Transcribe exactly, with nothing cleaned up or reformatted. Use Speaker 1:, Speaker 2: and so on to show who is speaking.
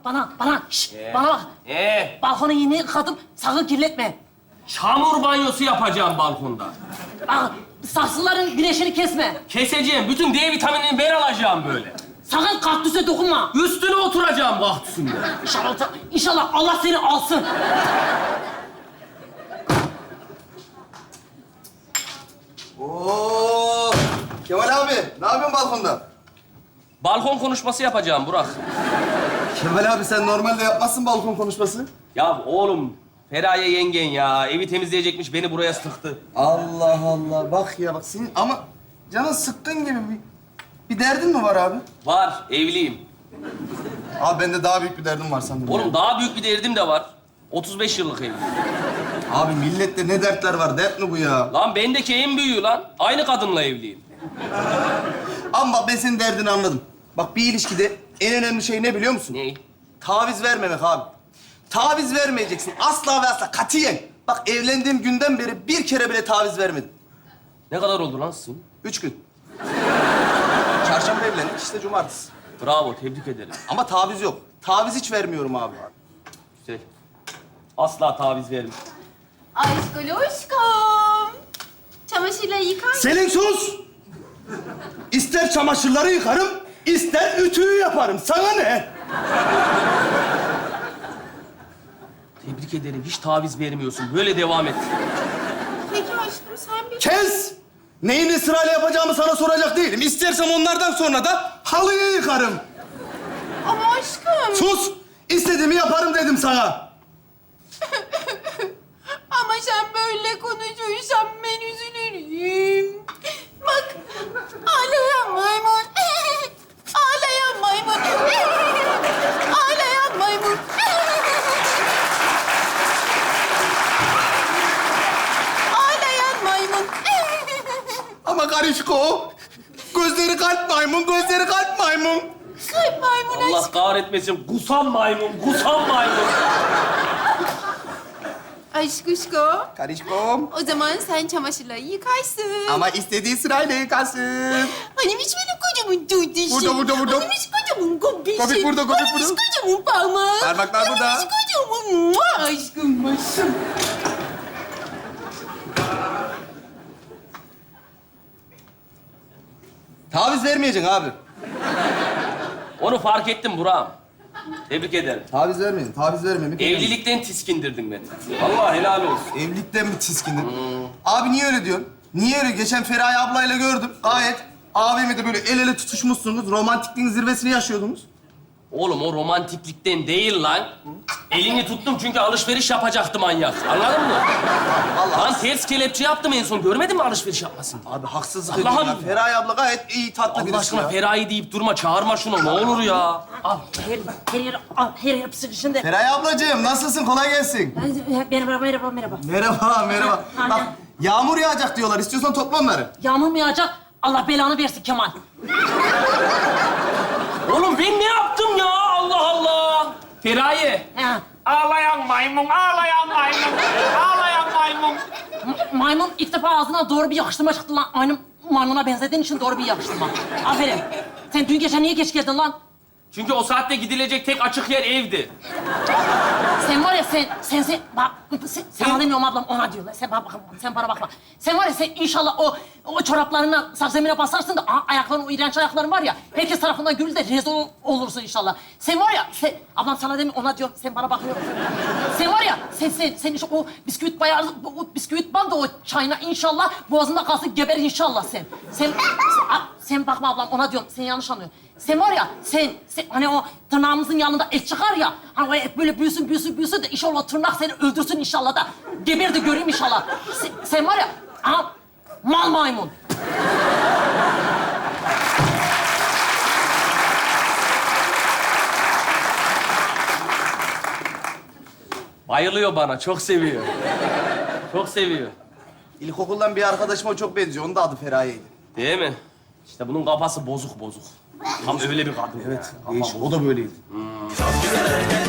Speaker 1: bana, bana, şş,
Speaker 2: Ee?
Speaker 1: bana bak.
Speaker 2: Ee,
Speaker 1: Balkonu yeni yıkadım, sakın kirletme.
Speaker 2: çamur banyosu yapacağım balkonda.
Speaker 1: Bak, saksıların güneşini kesme.
Speaker 2: Keseceğim. Bütün D vitaminini ben alacağım böyle.
Speaker 1: Sakın kaktüse dokunma.
Speaker 2: Üstüne oturacağım kaktüsünde.
Speaker 1: İnşallah, inşallah Allah seni alsın.
Speaker 3: Oo! Kemal abi, ne yapıyorsun balkonda?
Speaker 2: Balkon konuşması yapacağım Burak.
Speaker 3: Kemal abi sen normalde yapmazsın balkon konuşması.
Speaker 2: Ya oğlum, Feraye yengen ya. Evi temizleyecekmiş, beni buraya sıktı.
Speaker 3: Allah Allah, bak ya bak senin ama canın sıkkın gibi bir, bir derdin mi var abi?
Speaker 2: Var, evliyim.
Speaker 3: Abi bende daha büyük bir derdim var sanırım.
Speaker 2: Oğlum daha büyük bir derdim de var. otuz beş yıllık evliyim.
Speaker 3: Abi millette ne dertler var, dert mi bu ya?
Speaker 2: Lan bendeki en büyüğü lan. Aynı kadınla evliyim.
Speaker 3: Ama bak ben senin derdini anladım. Bak bir ilişkide en önemli şey ne biliyor musun?
Speaker 2: Ne?
Speaker 3: Taviz vermemek abi. Taviz vermeyeceksin. Asla ve asla katiyen. Bak evlendiğim günden beri bir kere bile taviz vermedim.
Speaker 2: Ne kadar oldu lan sizin?
Speaker 3: Üç gün. Çarşamba evlendik, işte cumartesi.
Speaker 2: Bravo, tebrik ederim.
Speaker 3: Ama taviz yok. Taviz hiç vermiyorum abi.
Speaker 2: Güzel. Asla taviz vermem.
Speaker 4: Aşkoloşkom. Çamaşırları yıkar mısın?
Speaker 3: Selin sus! İster çamaşırları yıkarım, ister ütüyü yaparım. Sana ne?
Speaker 2: Tebrik ederim. Hiç taviz vermiyorsun. Böyle devam et.
Speaker 4: Peki aşkım sen bir...
Speaker 3: Kes! Neyini sırayla yapacağımı sana soracak değilim. İstersem onlardan sonra da halıyı yıkarım.
Speaker 4: Ama aşkım.
Speaker 3: Sus! İstediğimi yaparım dedim sana.
Speaker 4: Ama sen böyle konuşursan ben üzülürüm. Bak, ağlayan maymun. Ağlayan maymun. Ağlayan maymun. Ağlayan maymun.
Speaker 3: Ama karışko. Gözleri kalp maymun, gözleri kalp maymun.
Speaker 4: Kalp maymun
Speaker 2: Allah
Speaker 4: aşkım.
Speaker 2: kahretmesin. Kusan maymun, kusan maymun.
Speaker 4: Aşkuşko.
Speaker 3: Karışkom.
Speaker 4: O zaman sen çamaşırları yıkarsın.
Speaker 3: Ama istediği sırayla yıkasın.
Speaker 4: Hani hiç benim kocaman duduşum.
Speaker 3: Burada, burada, burada.
Speaker 4: Hani hiç kocaman gobişim.
Speaker 3: Gobik burada, gobik
Speaker 4: Hani hiç
Speaker 3: burada.
Speaker 4: kocaman parmağım.
Speaker 3: Parmaklar burada.
Speaker 4: Hani hiç kocaman mua, aşkım başım.
Speaker 3: Taviz vermeyeceksin abi.
Speaker 2: Onu fark ettim Burak'ım. Tebrik ederim.
Speaker 3: Taviz vermeyeceksin, taviz vermemek.
Speaker 2: Evlilikten tiskindirdin beni. Vallahi helal olsun.
Speaker 3: Evlilikten mi tiskindin? Abi niye öyle diyorsun? Niye öyle? Geçen Feraye ablayla gördüm. Gayet abimi de böyle el ele tutuşmuşsunuz. Romantikliğin zirvesini yaşıyordunuz.
Speaker 2: Oğlum o romantiklikten değil lan. Elini tuttum çünkü alışveriş yapacaktı manyak. Anladın mı?
Speaker 3: Vallahi.
Speaker 2: Lan ters kelepçe yaptım en son. Görmedin mi alışveriş yapmasını?
Speaker 3: Abi haksızlık
Speaker 2: Allah'ım.
Speaker 3: ediyorsun ya. Feraye abla gayet iyi, tatlı
Speaker 2: Allah
Speaker 3: birisi
Speaker 2: aşkına
Speaker 3: ya.
Speaker 2: Feraye deyip durma. Çağırma şunu. Ne olur ya.
Speaker 1: Al, her, her yer, al, her yer sıkışında.
Speaker 3: Feraye ablacığım nasılsın? Kolay gelsin.
Speaker 1: Merhaba, merhaba, merhaba.
Speaker 3: Merhaba, merhaba.
Speaker 1: Anne.
Speaker 3: Bak yağmur yağacak diyorlar. İstiyorsan topla onları.
Speaker 1: Yağmur mu yağacak? Allah belanı versin Kemal.
Speaker 2: Oğlum ben ne yaptım ya? Allah Allah. Feraye.
Speaker 1: He.
Speaker 5: Ağlayan maymun, ağlayan maymun, ağlayan maymun.
Speaker 1: M- maymun ilk defa ağzına doğru bir yakıştırma çıktı lan. Aynı maymuna benzediğin için doğru bir yakıştırma. Aferin. Sen dün gece niye geç geldin lan?
Speaker 2: Çünkü o saatte gidilecek tek açık yer evdi.
Speaker 1: Sen var ya sen, sen, sen, bak, sen, sana demiyorum ablam, ona diyorlar. Sen bana bakma, sen bana bakma. Sen var ya sen inşallah o, o çoraplarına sakzemine basarsın da a- ayakların, o iğrenç ayakların var ya, herkes tarafından gül de rezil ol- olursun inşallah. Sen var ya, sen, ablam sana demiyorum, ona diyorum, sen bana bakıyorsun. Sen var ya, sen, sen, sen işte o bisküvit bayağı, o bisküvit bandı o çayına inşallah, boğazında kalsın, geber inşallah sen. Sen, sen, a- sen bakma ablam, ona diyorum, sen yanlış anlıyorsun. Sen var ya, sen, sen hani o tırnağımızın yanında et çıkar ya, hani o et böyle büyüsün, büyüsün, büyüsün de inşallah o tırnak seni öldürsün inşallah da. Geber de göreyim inşallah. Sen, sen var ya, aha, mal maymun.
Speaker 2: Bayılıyor bana. Çok seviyor. Çok seviyor.
Speaker 3: İlkokuldan bir arkadaşıma çok benziyor. Onun da adı Feraye'ydi.
Speaker 2: Değil mi? İşte bunun kafası bozuk bozuk. Tam öyle bir kadın.
Speaker 3: Evet, değişik. O da böyleydi.
Speaker 2: Hmm.